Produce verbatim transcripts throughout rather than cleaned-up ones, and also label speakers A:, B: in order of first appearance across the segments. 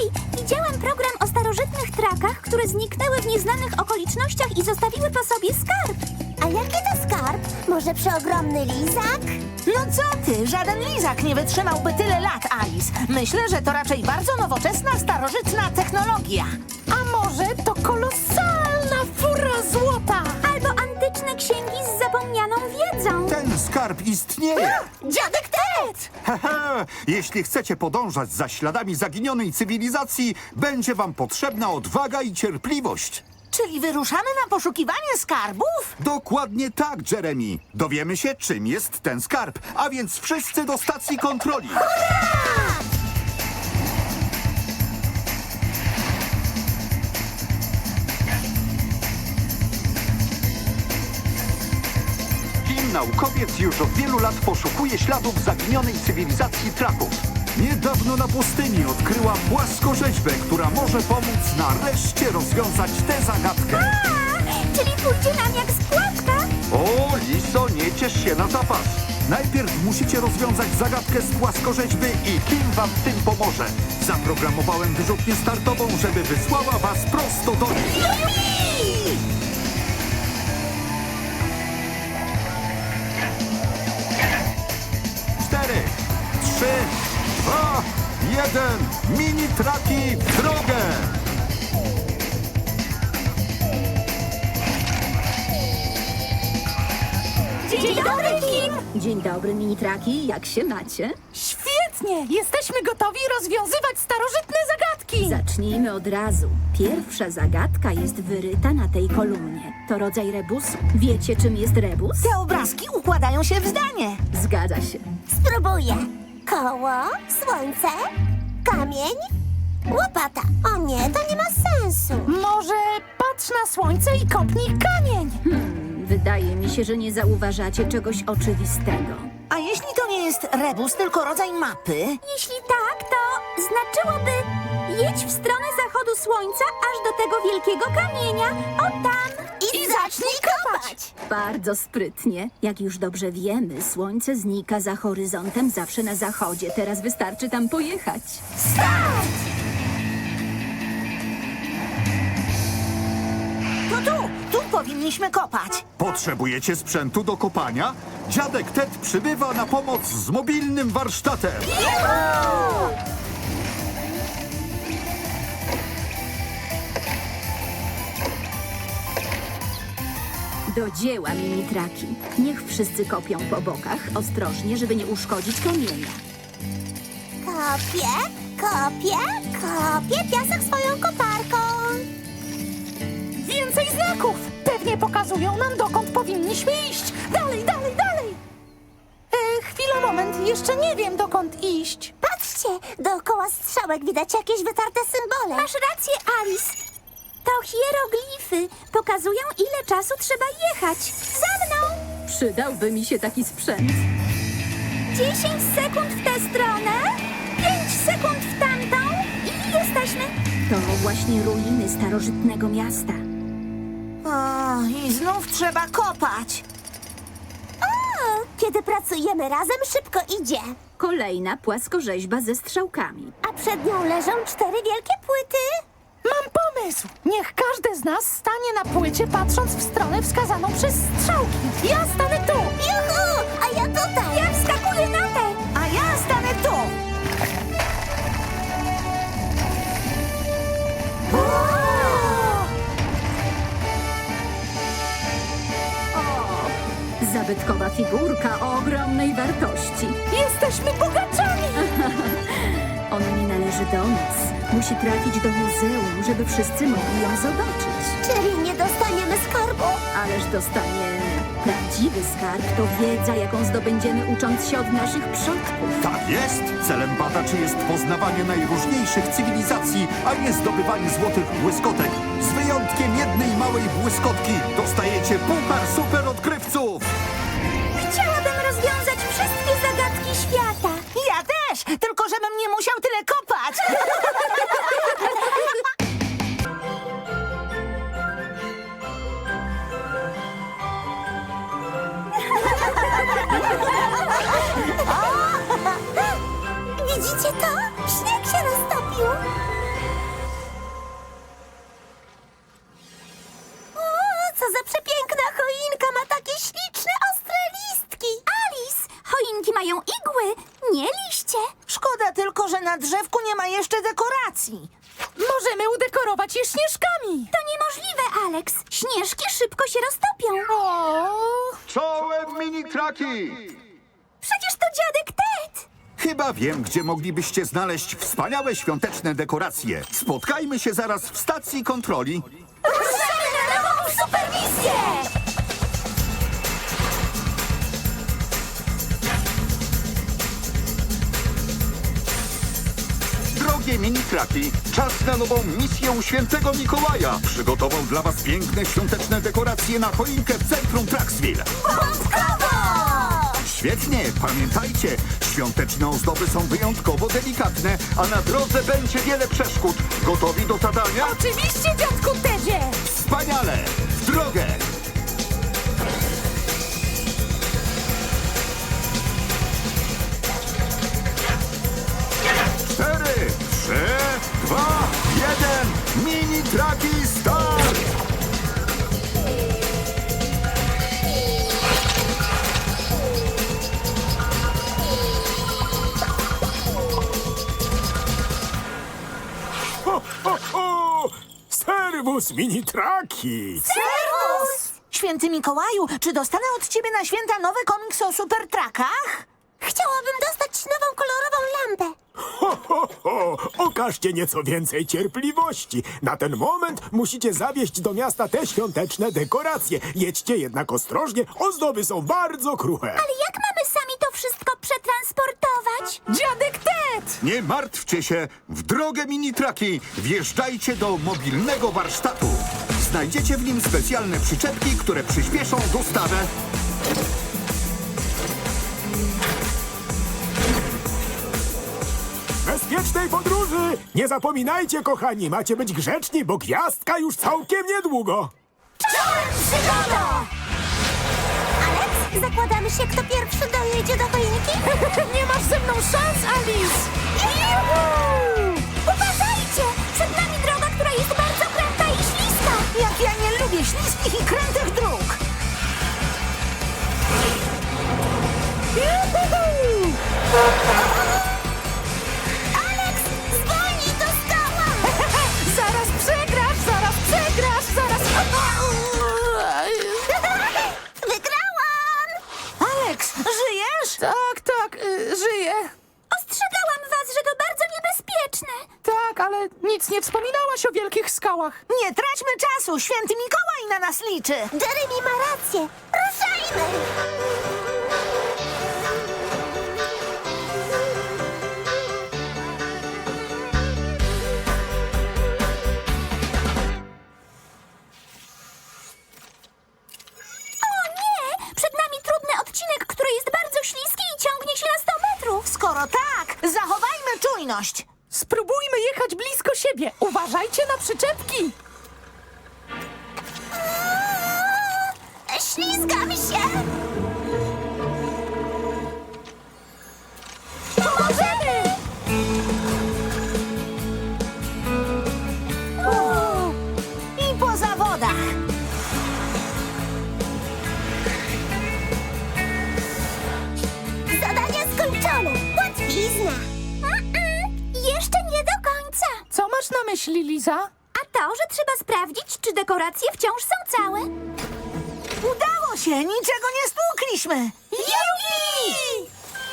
A: Hej, widziałam program o starożytnych trakach, które zniknęły w nieznanych okolicznościach i zostawiły po sobie skarb.
B: A jaki to skarb? Może przeogromny lizak?
C: No co ty, żaden lizak nie wytrzymałby tyle lat, Alice. Myślę, że to raczej bardzo nowoczesna, starożytna technologia.
D: A może to kolosalna fura złota?
A: Albo antyczne księgi z zapomnianą wiedzą.
E: Ten skarb istnieje!
C: Dziadek Ted!
E: Hehe! Jeśli chcecie podążać za śladami zaginionej cywilizacji, będzie wam potrzebna odwaga i cierpliwość.
C: Czyli wyruszamy na poszukiwanie skarbów?
E: Dokładnie tak, Jeremy. Dowiemy się, czym jest ten skarb, a więc wszyscy do stacji kontroli. Kim naukowiec już od wielu lat poszukuje śladów zaginionej cywilizacji Traków. Niedawno na pustyni odkryła płaskorzeźbę, która może pomóc nareszcie rozwiązać tę zagadkę.
A: A, czyli pójdzie nam jak składka?
E: O, Liso, nie ciesz się na zapas. Najpierw musicie rozwiązać zagadkę z płaskorzeźby i kim wam w tym pomoże. Zaprogramowałem wyrzutnię startową, żeby wysłała was prosto do niej. Cztery, trzy, dwa, jeden. Mini traki w drogę!
A: Dzień dobry, Kim!
F: Dzień dobry, mini-traki. Jak się macie?
D: Świetnie! Jesteśmy gotowi rozwiązywać starożytne zagadki!
F: Zacznijmy od razu. Pierwsza zagadka jest wyryta na tej kolumnie. To rodzaj rebusu. Wiecie, czym jest rebus?
C: Te obrazki układają się w zdanie.
F: Zgadza się.
B: Spróbuję. Koło, słońce, kamień, łopata. O nie, to nie ma sensu.
D: Może patrz na słońce i kopnij kamień!
F: Wydaje mi się, że nie zauważacie czegoś oczywistego.
C: A jeśli to nie jest rebus, tylko rodzaj mapy?
A: Jeśli tak, to znaczyłoby jedź w stronę zachodu słońca aż do tego wielkiego kamienia. O tam!
B: I, zacznij kopać.
F: Bardzo sprytnie. Jak już dobrze wiemy, słońce znika za horyzontem zawsze na zachodzie. Teraz wystarczy tam pojechać.
C: To tu, tu powinniśmy kopać.
E: Potrzebujecie sprzętu do kopania? Dziadek Ted przybywa na pomoc z mobilnym warsztatem.
F: Do dzieła, mini-traki. Niech wszyscy kopią po bokach, ostrożnie, żeby nie uszkodzić kamienia.
B: Kopię, kopię, kopię piasek swoją koparką.
D: Więcej znaków! Pewnie pokazują nam, dokąd powinniśmy iść! Dalej, dalej, dalej! E, chwila, moment, jeszcze nie wiem, dokąd iść.
B: Patrzcie, dookoła strzałek widać jakieś wytarte symbole.
A: Masz rację, Alice. To hieroglify. Pokazują, ile czasu trzeba jechać. Za mną!
F: Przydałby mi się taki sprzęt.
A: Dziesięć sekund w tę stronę, pięć sekund w tamtą i jesteśmy.
F: To właśnie ruiny starożytnego miasta.
C: O, i znów trzeba kopać.
B: O, kiedy pracujemy razem, szybko idzie.
F: Kolejna płaskorzeźba ze strzałkami.
B: A przed nią leżą cztery wielkie płyty.
D: Mam pomysł! Niech każdy z nas stanie na płycie, patrząc w stronę wskazaną przez strzałki. Ja stanę tu!
B: Juhu, a ja tutaj.
A: Ja wskakuję na tę.
C: A ja stanę tu.
F: Zabytkowa figurka o ogromnej wartości.
D: Jesteśmy bogaczami!
F: Ona nie należy do nas. Musi trafić do muzeum, żeby wszyscy mogli ją zobaczyć.
B: Czyli nie dostaniemy skarbu?
F: Ależ dostaniemy. Prawdziwy skarb to wiedza, jaką zdobędziemy ucząc się od naszych przodków.
E: Tak jest! Celem badaczy jest poznawanie najróżniejszych cywilizacji, a nie zdobywanie złotych błyskotek. Z wyjątkiem jednej małej błyskotki dostajecie puchar super odkrywców!
A: Chciałabym rozwiązać wszystkie zagadki świata.
C: Ja też, tylko żebym nie musiał tyle kopać.
B: Widzicie to? Śnieg się roztopił.
C: na drzewku nie ma jeszcze dekoracji.
D: Możemy udekorować je śnieżkami.
A: To niemożliwe, Alex. Śnieżki szybko się roztopią.
D: O,
E: Czołem mini-traki!
A: Przecież to dziadek Ted.
E: Chyba wiem, gdzie moglibyście znaleźć wspaniałe świąteczne dekoracje. Spotkajmy się zaraz w stacji kontroli.
A: Ruszamy na nową supermisję!
E: Drogie mini-traki, czas na nową misję u świętego Mikołaja. Przygotował dla was piękne świąteczne dekoracje na choinkę w centrum Traxville. Świetnie, pamiętajcie, świąteczne ozdoby są wyjątkowo delikatne, a na drodze będzie wiele przeszkód. Gotowi do zadania?
D: oczywiście, dziadku Tedzie.
E: Wspaniale! W drogę! Cztery, trzy, dwa, jeden. Mini-traki start!
G: Ho, ho, ho! Serwus, mini-traki!
C: Serwus! Święty Mikołaju, czy dostanę od ciebie na święta nowy komiks o super trakach?
B: Chciałabym dostać nową kolorową lampę.
G: Ho, ho, ho! Okażcie nieco więcej cierpliwości. Na ten moment musicie zawieźć do miasta te świąteczne dekoracje. Jedźcie jednak ostrożnie, ozdoby są bardzo kruche.
A: Ale jak mamy sami to wszystko przetransportować?
D: Dziadek Ted.
E: Nie martwcie się, w drogę mini-traki wjeżdżajcie do mobilnego warsztatu. Znajdziecie w nim specjalne przyczepki, które przyspieszą dostawę.
G: Bezpiecznej podróży! Nie zapominajcie, kochani, macie być grzeczni, bo gwiazdka już całkiem niedługo.
B: Czołem przygoda! Alex, zakładamy się, kto pierwszy dojedzie do choinki?
D: Nie masz ze mną szans, Alice.
B: Juhu!
A: Uważajcie! Przed nami droga, która jest bardzo kręta i śliska.
C: Jak ja nie lubię śliskich i krętych dróg!
B: Alex, zwolnij, to skała!
D: Zaraz przegrasz, zaraz przegrasz, zaraz...
B: Wygrałam!
C: Alex, żyjesz?
D: Tak, tak, y, żyję.
A: Ostrzegałam was, że to bardzo niebezpieczne.
D: Tak, ale nic nie wspominałaś o wielkich skałach.
C: Nie traćmy czasu, święty Mikołaj na nas liczy.
B: Jeremy ma rację. Ruszajmy!
A: O nie! Przed nami trudny odcinek, który jest bardzo śliski i ciągnie się na sto metrów.
C: Skoro tak, zachowajmy czujność.
D: Spróbujmy jechać blisko siebie. Uważajcie na przyczepki.
B: Ślizgam się! Pomożemy!
C: I po zawodach.
B: Zadanie skończone! Łatwizna!
A: Mm-mm, jeszcze nie do końca.
D: Co masz na myśli, Liza?
A: A to, że trzeba sprawdzić, czy dekoracje wciąż są całe.
C: Udało się, niczego nie stłukliśmy.
A: Jupi!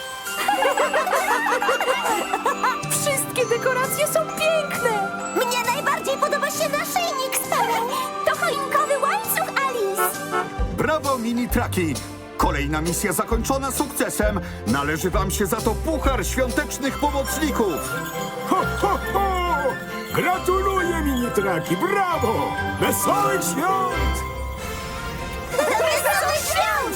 D: Wszystkie dekoracje są piękne.
B: Mnie najbardziej podoba się naszyjnik z pereł.
A: To choinkowy łańcuch, Alice.
E: Brawo, mini-traki! Kolejna misja zakończona sukcesem. Należy wam się za to puchar świątecznych pomocników.
G: Ho, ho, ho! Gratuluję, mini-traki, brawo! Wesołych świąt!
B: Wesołych świąt!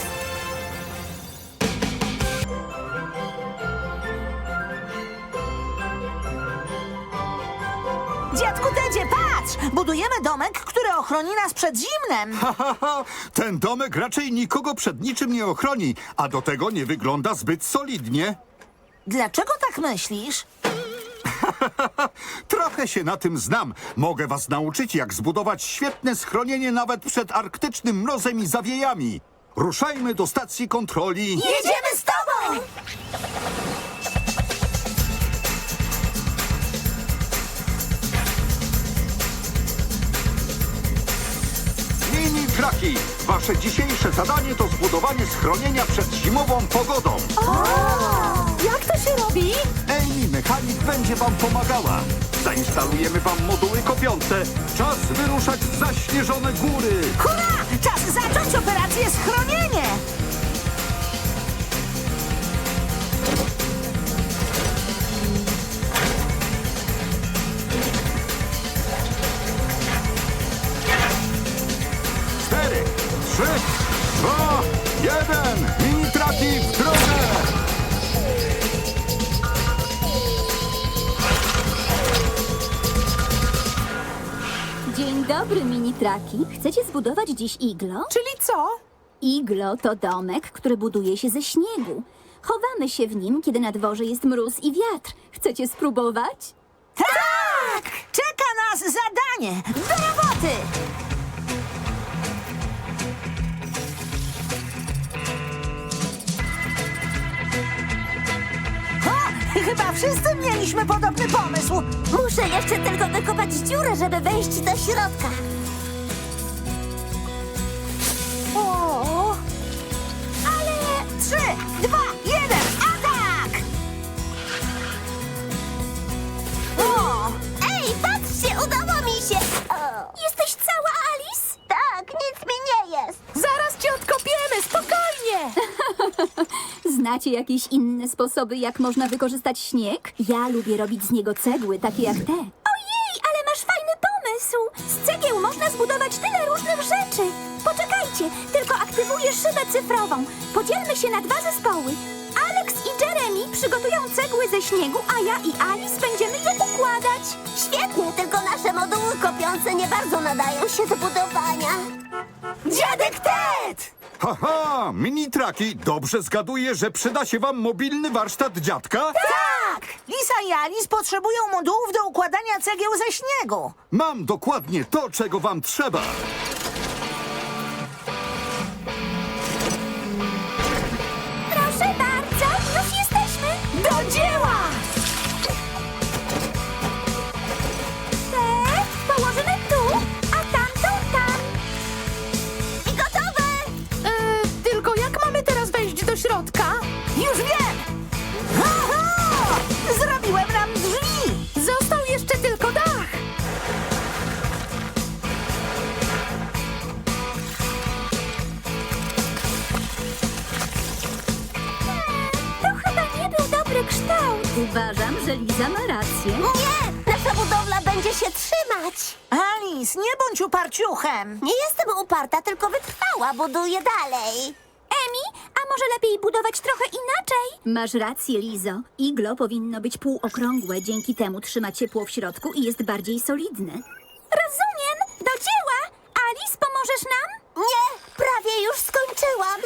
C: Dziadku Tedzie, patrz! Budujemy domek, który ochroni nas przed zimnem.
E: Ha, ha, ha. Ten domek raczej nikogo przed niczym nie ochroni, a do tego nie wygląda zbyt solidnie.
C: Dlaczego tak myślisz?
E: Trochę się na tym znam. Mogę was nauczyć, jak zbudować świetne schronienie nawet przed arktycznym mrozem i zawiejami. Ruszajmy do stacji kontroli.
B: Jedziemy z tobą!
E: Mini-Traki! Wasze dzisiejsze zadanie to zbudowanie schronienia przed zimową pogodą.
D: Jak to się robi?
E: Amy Mechanik będzie wam pomagała. Zainstalujemy wam moduły kopiące. Czas wyruszać w zaśnieżone góry.
C: Hurra! Czas zacząć operację schronienie!
E: Cztery, trzy, dwa, jeden. Mini-Traki w drodze!
F: Dzień dobry, mini-traki. Chcecie zbudować dziś iglo?
D: Czyli co?
F: Iglo to domek, który buduje się ze śniegu. Chowamy się w nim, kiedy na dworze jest mróz i wiatr. Chcecie spróbować?
C: Tak! Czeka nas zadanie! Do roboty! O, chyba wszyscy mieliśmy podobny pomysł.
B: Muszę jeszcze tylko wykopać dziurę, żeby wejść do środka.
C: O! Ale... Trzy, dwa, jeden, atak! O!
B: Ej, patrzcie, udało mi się! O.
A: Jesteś cała, Alice?
B: Tak, nic mi nie jest.
D: Zaraz cię odkopiemy, spokojnie!
F: Znacie jakieś inne sposoby, jak można wykorzystać śnieg? Ja lubię robić z niego cegły, takie jak te.
A: Ojej, ale masz fajny pomysł! Z cegieł można zbudować tyle różnych rzeczy! Poczekajcie, tylko aktywuję szybę cyfrową. Podzielmy się na dwa zespoły. Alex i Jeremy przygotują cegły ze śniegu, a ja i Alice będziemy je układać.
B: Świetnie, tylko nasze moduły kopiące nie bardzo nadają się do budowania.
C: Dziadek Ted!
E: Haha, Mini-Traki, dobrze zgaduję, że przyda się wam mobilny warsztat dziadka?
C: Tak! Lisa i Alice potrzebują modułów do układania cegieł ze śniegu.
E: Mam dokładnie to, czego wam trzeba.
A: Proszę bardzo, już jesteśmy!
C: Do dzieła!
A: Te położymy tu, a tamtą tam.
B: I gotowe!
D: E, tylko jak mamy teraz wejść do środka?
C: Już wiem! Aha! Zrobiłem nam drzwi!
D: Został jeszcze tylko dach.
A: To chyba nie był dobry kształt.
F: Uważam, że Liza ma rację.
B: Nie, nasza budowla będzie się trzymać.
C: Alice, nie bądź uparciuchem!
B: Nie jestem uparta, tylko wytrwała, buduję dalej.
A: Emi, a może lepiej budować trochę inaczej?
F: Masz rację, Lizo. Iglo powinno być półokrągłe, dzięki temu trzyma ciepło w środku i jest bardziej solidne.
A: Rozumiem, do dzieła! Alice, pomożesz nam?
B: Nie, prawie już skończyłam.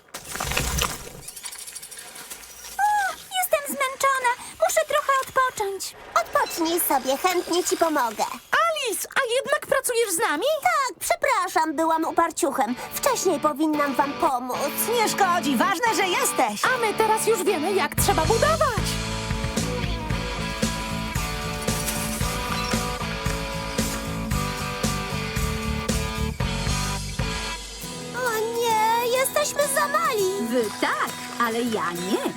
A: O, jestem zmęczona, muszę trochę odpocząć.
B: Odpocznij sobie, chętnie ci pomogę.
D: Alice, a jednak pracujesz z nami?
B: Tak, przepraszam, byłam uparciuchem. Wcześniej powinnam wam pomóc.
C: Nie szkodzi, ważne, że jesteś!
D: A my teraz już wiemy, jak trzeba budować.
B: O nie, jesteśmy za mali.
F: Wy tak, ale ja nie.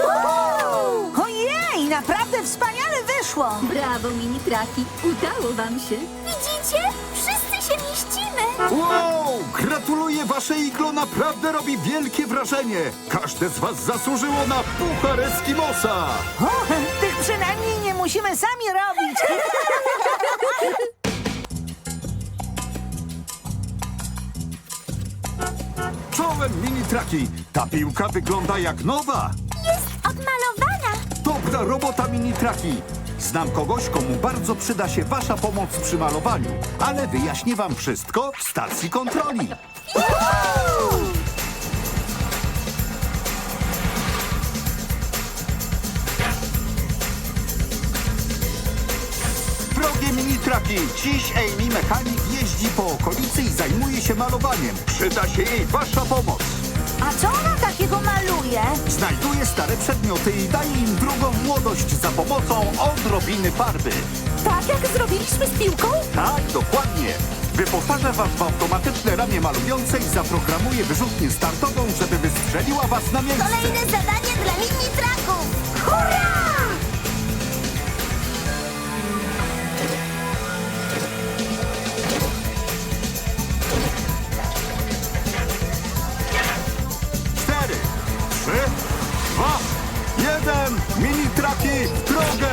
C: Ojej, naprawdę wspaniale wyszło!
F: Brawo, mini-traki. Udało wam się.
A: Widzicie? Wszyscy się mieścimy.
E: Wow! Gratuluję, wasze iglo naprawdę robi wielkie wrażenie. Każde z was zasłużyło na puchar Eskimosa.
C: O, tych przynajmniej nie musimy sami robić!
E: Czołem, Mini-Traki. Ta piłka wygląda jak nowa.
A: Jest odmalowana.
E: Dobra robota, Mini-Traki. Znam kogoś, komu bardzo przyda się wasza pomoc przy malowaniu, ale wyjaśnię wam wszystko w stacji kontroli. Drogie Mini-Traki, dziś Amy Mechanik jeździ po okolicy i zajmuje się malowaniem. Przyda się jej wasza pomoc.
C: A co ona takiego maluje?
E: Znajduje stare przedmioty i daje im drugą młodość za pomocą odrobiny farby.
D: Tak jak zrobiliśmy z piłką?
E: Tak, dokładnie. Wyposażę was w automatyczne ramię malujące i zaprogramuję wyrzutnię startową, żeby wystrzeliła was na miejsce.
B: Kolejne zadanie dla mini traków! Hurra!
E: Cztery, trzy, dwa, jeden. Mini traki w drogę!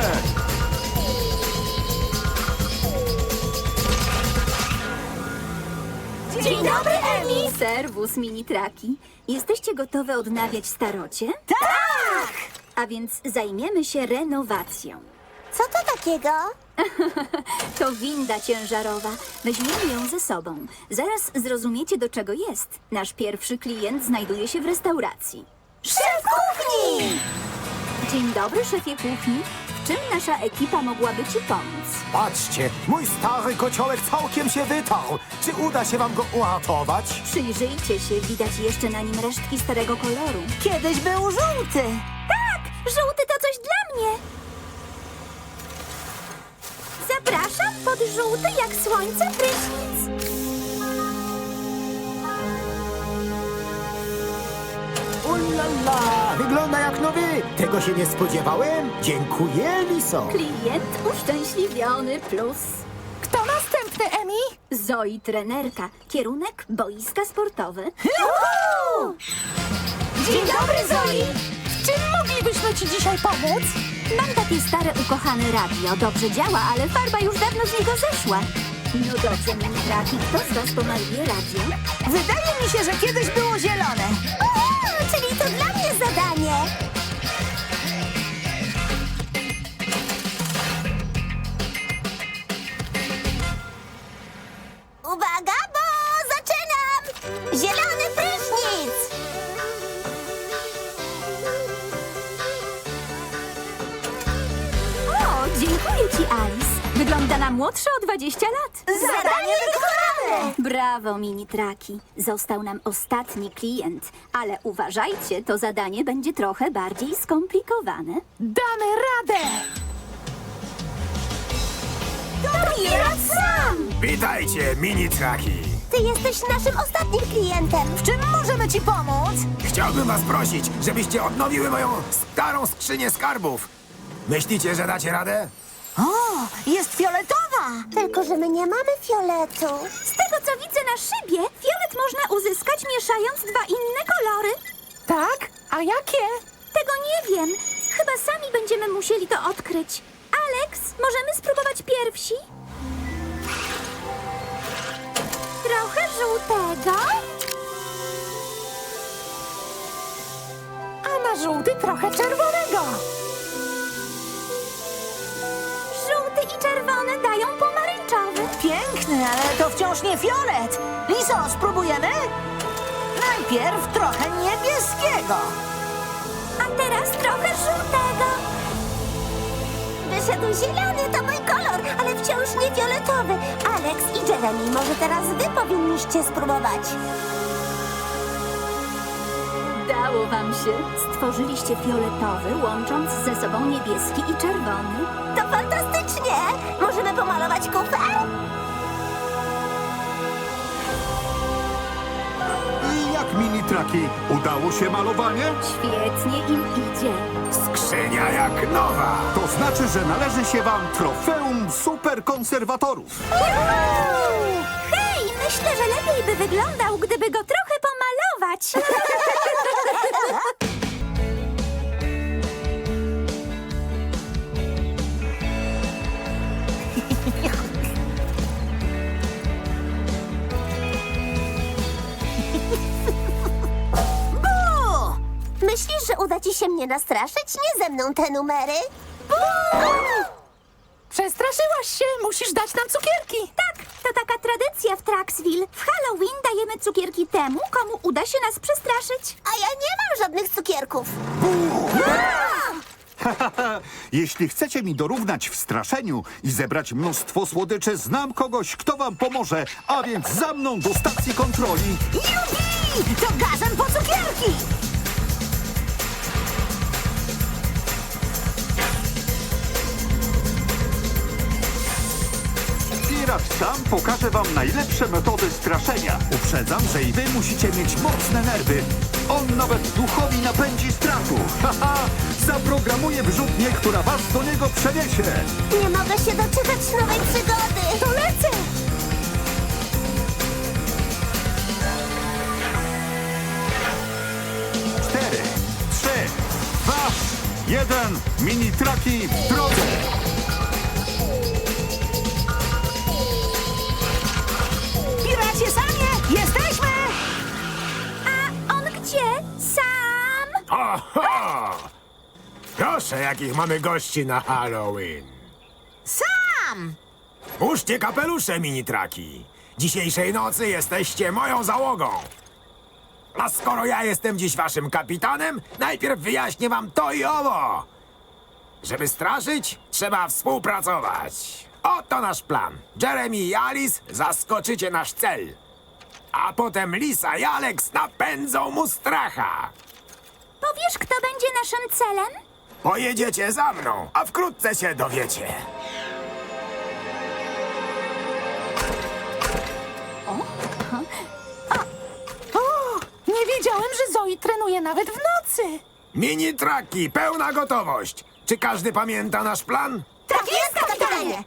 A: Dzień dobry, Emi!
F: Serwus, mini-traki. Jesteście gotowe odnawiać starocie?
B: Tak!
F: A więc zajmiemy się renowacją.
B: Co to takiego?
F: To winda ciężarowa. Weźmiemy ją ze sobą. Zaraz zrozumiecie, do czego jest. Nasz pierwszy klient znajduje się w restauracji.
B: Szef kuchni!
F: Dzień dobry, szefie kuchni. W czym nasza ekipa mogłaby ci pomóc?
G: Patrzcie, mój stary kociołek całkiem się wytarł. Czy uda się wam go uratować?
F: Przyjrzyjcie się, widać jeszcze na nim resztki starego koloru.
C: Kiedyś był żółty.
A: Tak, żółty to coś dla mnie. Zapraszam pod żółty jak słońce prysznic.
G: Ulala, wygląda jak nowy. Tego się nie spodziewałem. Dziękuję, Liso.
F: Klient uszczęśliwiony plus.
D: Kto następny, Emi?
F: Zoi trenerka. Kierunek boiska sportowe.
D: Dzień dobry, Zoi! W czym moglibyśmy ci dzisiaj pomóc?
A: Mam takie stare ukochane radio. Dobrze działa, ale farba już dawno z niego zeszła.
F: No dobrze, mini-traki. Kto z was pomaluje radio?
C: Wydaje mi się, że kiedyś było zielone.
B: O, czyli to dla mnie zadanie! Uwaga, bo zaczynam! Zielony prysznic!
F: O, dziękuję ci, Alice. Wygląda na młodsza o dwadzieścia lat.
B: Zadanie wykonane!
F: Brawo, mini-traki. Został nam ostatni klient. Ale uważajcie, to zadanie będzie trochę bardziej skomplikowane.
D: Damy radę!
B: Pirat sam!
G: Witajcie, mini-traki.
B: Ty jesteś naszym ostatnim klientem.
C: W czym możemy ci pomóc?
G: Chciałbym was prosić, żebyście odnowiły moją starą skrzynię skarbów. Myślicie, że dacie radę?
C: O, jest fioletowa.
B: Tylko, że my nie mamy fioletu.
A: Z tego, co widzę na szybie, fiolet można uzyskać mieszając dwa inne kolory.
D: Tak? A jakie?
A: Tego nie wiem. Chyba sami będziemy musieli to odkryć. Alex, możemy spróbować pierwsi? Trochę żółtego.
D: A na żółty trochę czerwonego.
A: Żółty i czerwony dają pomarańczowy.
C: Piękny, ale to wciąż nie fiolet. Liso, spróbujemy? Najpierw trochę niebieskiego.
A: A teraz trochę żółtego.
B: Wyszedł zielony, to mój kolor, ale wciąż nie fioletowy. Alex i Jeremy, może teraz wy powinniście spróbować.
F: Dało wam się. Stworzyliście fioletowy, łącząc ze sobą niebieski i czerwony.
B: To fantastycznie! Możemy pomalować kufer?
E: I jak mini-traki? Udało się malowanie?
F: Świetnie im idzie.
G: Skrzynia jak nowa.
E: To znaczy, że należy się wam trofeum superkonserwatorów.
A: Hej, myślę, że lepiej by wyglądał, gdyby go trochę pomalować.
B: Myślisz, że uda ci się mnie nastraszyć? Nie ze mną te numery.
D: Przestraszyłaś się, musisz dać nam cukierki.
A: Tak, to taka tradycja w Traxville. W Halloween dajemy cukierki temu, komu uda się nas przestraszyć.
B: A ja nie mam żadnych cukierków.
E: Jeśli chcecie mi dorównać w straszeniu i zebrać mnóstwo słodyczy, znam kogoś, kto wam pomoże, a więc za mną do stacji kontroli.
C: Jupi! To gazem po cukierki!
E: Wspieracz sam pokaże wam najlepsze metody straszenia. Uprzedzam, że i wy musicie mieć mocne nerwy. On nawet duchowi napędzi strachu. Haha, zaprogramuje wrzutnię, która was do niego przeniesie.
B: Nie mogę się doczekać nowej przygody.
D: To lecę!
E: Cztery, trzy, dwa, jeden. Mini-traki w drodze.
C: Piracie sami! Jesteśmy!
A: A on gdzie? Sam?
G: Oho! Proszę, jakich mamy gości na Halloween.
C: Sam!
G: Puszczcie kapelusze, mini-traki. Dzisiejszej nocy jesteście moją załogą. A skoro ja jestem dziś waszym kapitanem, najpierw wyjaśnię wam to i owo. Żeby straszyć, trzeba współpracować. Oto nasz plan. Jeremy i Alice zaskoczycie nasz cel. A potem Lisa i Alex napędzą mu stracha.
A: Powiesz, kto będzie naszym celem?
G: Pojedziecie za mną, a wkrótce się dowiecie.
D: O, nie wiedziałem, że Zoe trenuje nawet w nocy.
G: Mini-traki, pełna gotowość. Czy każdy pamięta nasz plan?
B: Tak jest, kapitanie!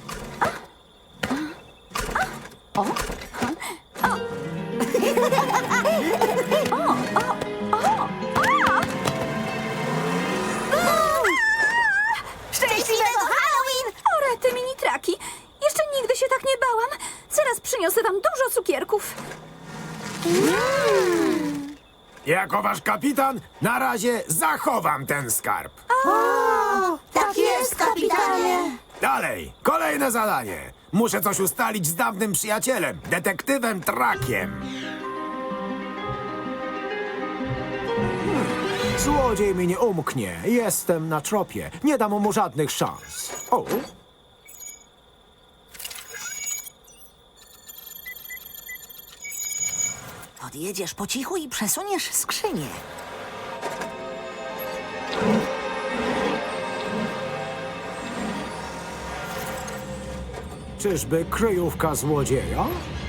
B: Szczęśliwego Halloween!
F: O, rety, mini-traki. Jeszcze nigdy się tak nie bałam. Zaraz przyniosę wam dużo cukierków.
G: Jako wasz kapitan, na razie zachowam ten skarb.
B: Tak jest, kapitanie!
G: Dalej, kolejne zadanie. Muszę coś ustalić z dawnym przyjacielem, detektywem Trakiem. Hmm. Złodziej mi nie umknie. Jestem na tropie. Nie dam mu żadnych szans. O,
C: Podjedziesz po cichu i przesuniesz skrzynię.
G: czyżby kryjówka złodzieja?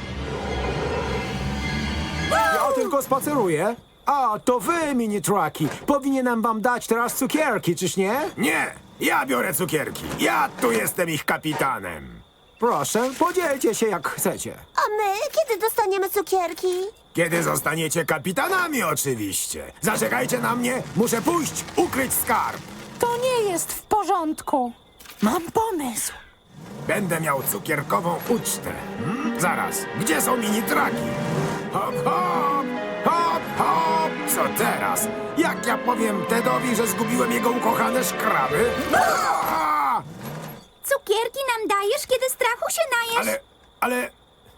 G: Ja tylko spaceruję. A, to wy, mini-traki. Powinienem wam dać teraz cukierki, czyż nie? Nie, ja biorę cukierki. Ja tu jestem ich kapitanem. Proszę, podzielcie się jak chcecie.
B: A my kiedy dostaniemy cukierki?
G: Kiedy zostaniecie kapitanami, oczywiście. Zaczekajcie na mnie, muszę pójść, ukryć skarb.
D: To nie jest w porządku. Mam pomysł.
G: Będę miał cukierkową ucztę. Hmm? Zaraz, gdzie są mini-traki? Hop, hop, hop, hop. Co teraz? Jak ja powiem Tedowi, że zgubiłem jego ukochane szkraby? Aaa!
A: Cukierki nam dajesz, kiedy strachu się najesz?
G: Ale, ale...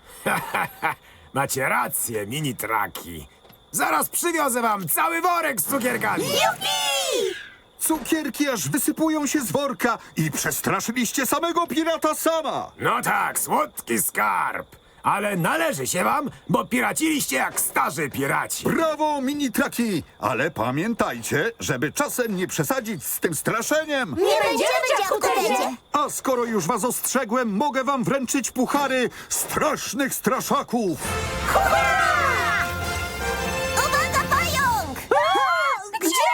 G: Macie rację, mini-traki. Zaraz przywiozę wam cały worek z cukierkami.
E: Cukierki aż wysypują się z worka i przestraszyliście samego pirata sama.
G: No tak, słodki skarb. Ale należy się wam, bo piraciliście jak starzy piraci.
E: Brawo, mini-traki! Ale pamiętajcie, żeby czasem nie przesadzić z tym straszeniem.
B: Nie będziemy, dziadku Tedzie!
E: A skoro już was ostrzegłem, mogę wam wręczyć puchary strasznych straszaków.
B: Uwaga, pająk!
C: Gdzie?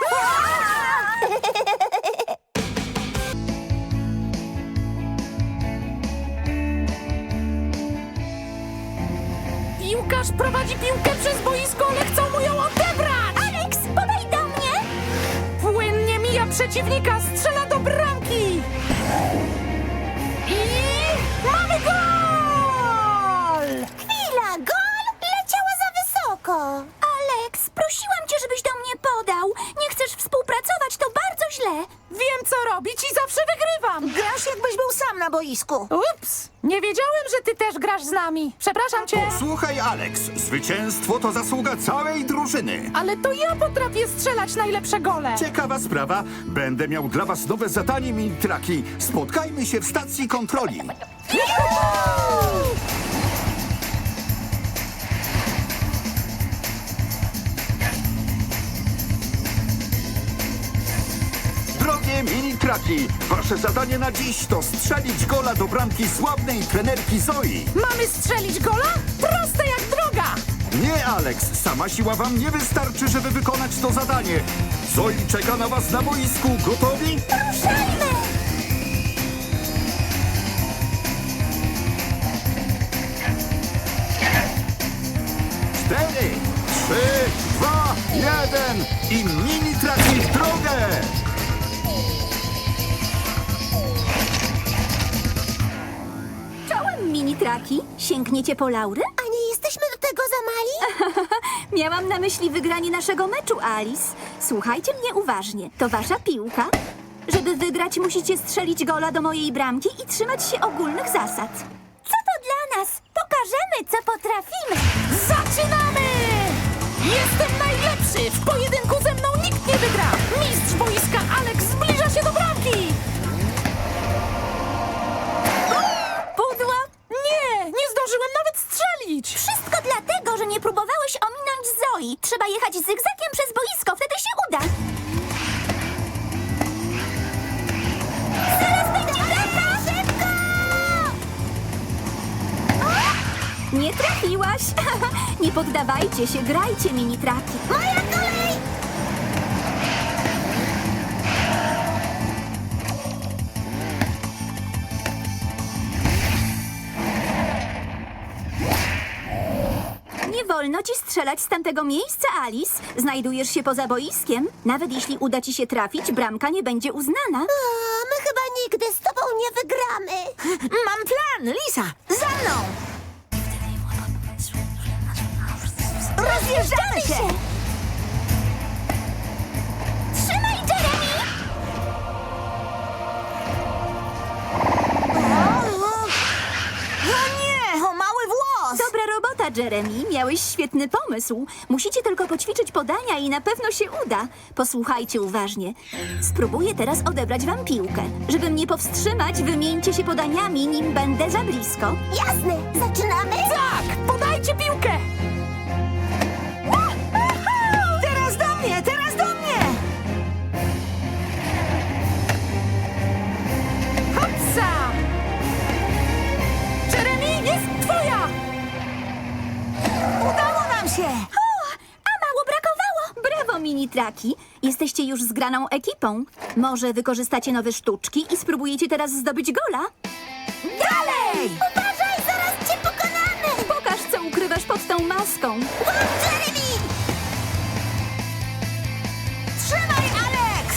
D: Piłkarz prowadzi piłkę przez boisko, ale chcą mu ją odebrać!
A: Alex, podaj do mnie!
D: Płynnie mija przeciwnika, strzela do bramki! I mamy gol!
B: Chwila, gol! Leciała za wysoko!
A: Alex, prosiłam cię, żebyś do mnie podał. Nie chcesz współpracować, to bardzo źle.
D: Wiem, co robić i zawsze wygrywam!
C: Grasz, jakbyś był sam na boisku.
D: Ups! Nie wiedziałem, że ty też grasz z nami. Przepraszam cię,
E: Słuchaj, Alex, zwycięstwo to zasługa całej drużyny.
D: ale to ja potrafię strzelać najlepsze gole.
E: Ciekawa sprawa. Będę miał dla was nowe zadanie, mini-traki. Spotkajmy się w stacji kontroli. Drogie mini-traki, wasze zadanie na dziś to strzelić gola do bramki sławnej trenerki Zoi.
D: Mamy strzelić gola? Proste jak droga!
E: Nie, Alex, sama siła wam nie wystarczy, żeby wykonać to zadanie. Zoi czeka na was na boisku. Gotowi?
A: Ruszajmy!
E: Cztery, trzy, dwa, jeden i mini-traki w drogę!
F: Czołem, mini-traki. Sięgniecie po laury?
B: A nie jesteśmy do tego za mali?
F: Miałam na myśli wygranie naszego meczu, Alice. Słuchajcie mnie uważnie. To wasza piłka. Żeby wygrać, musicie strzelić gola do mojej bramki i trzymać się ogólnych zasad.
A: Co to dla nas? Pokażemy, co potrafimy.
D: Zaczynamy! Jestem najlepszy! W pojedynku ze mną nikt nie wygra! Mistrz boiska Alex zbliża się do bramki!
A: Pudło?
D: Nie, nie zdążyłem nawet strzelić!
A: Wszystko dlatego, że nie próbowałeś ominąć Zoi. Trzeba jechać zygzakiem przez boisko, wtedy się uda. Zaraz będzie bramka! Szybko!
F: Nie trafiłaś! Nie poddawajcie się, grajcie, mini-traki.
A: Moja kolej!
F: Nie wolno ci strzelać z tamtego miejsca, Alice. Znajdujesz się poza boiskiem. Nawet jeśli uda ci się trafić, bramka nie będzie uznana.
B: A, my chyba nigdy z tobą nie wygramy.
C: Mam plan, Lisa! Za mną! Rozjeżdżamy się!
A: Trzymaj, Jeremy!
C: O nie, o mały włos!
F: Dobra robota, Jeremy. Miałeś świetny pomysł. Musicie tylko poćwiczyć podania i na pewno się uda. Posłuchajcie uważnie. Spróbuję teraz odebrać wam piłkę. Żeby mnie powstrzymać, wymieńcie się podaniami, nim będę za blisko.
B: Jasne, zaczynamy?
D: Tak, podajcie piłkę!
C: Teraz do mnie, teraz do mnie!
D: Hopsa! Jeremy, jest twoja!
C: Udało nam się!
F: A mało brakowało! Brawo, mini-traki. Jesteście już zgraną ekipą. Może wykorzystacie nowe sztuczki i spróbujecie teraz zdobyć gola?
C: Dalej!
A: Uważaj, zaraz cię pokonamy!
F: Pokaż, co ukrywasz pod tą maską.
A: Łap, Jeremy!
C: Trzymaj, Alex!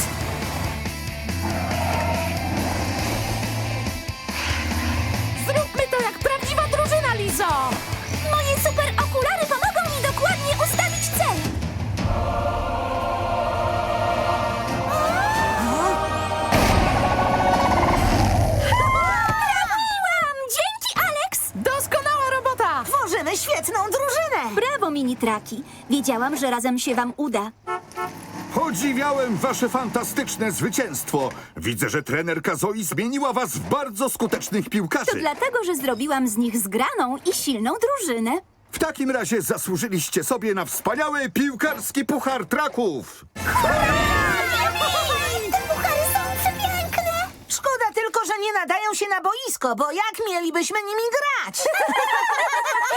D: Zróbmy to jak prawdziwa drużyna, Lizo!
A: Moje super okulary pomogą mi dokładnie ustawić cel. Trafiłam! Dzięki, Alex!
D: Doskonała robota!
C: Tworzymy świetną drużynę!
F: Brawo, mini-traki. Wiedziałam, że razem się wam uda.
E: Podziwiałem wasze fantastyczne zwycięstwo. Widzę, że trenerka Zoi zmieniła was w bardzo skutecznych
F: To
E: piłkarzy.
F: dlatego, że zrobiłam z nich zgraną i silną drużynę.
E: W takim razie zasłużyliście sobie na wspaniały piłkarski puchar traków.
B: Te puchary są przepiękne.
C: Szkoda tylko, że nie nadają się na boisko, bo jak mielibyśmy nimi grać?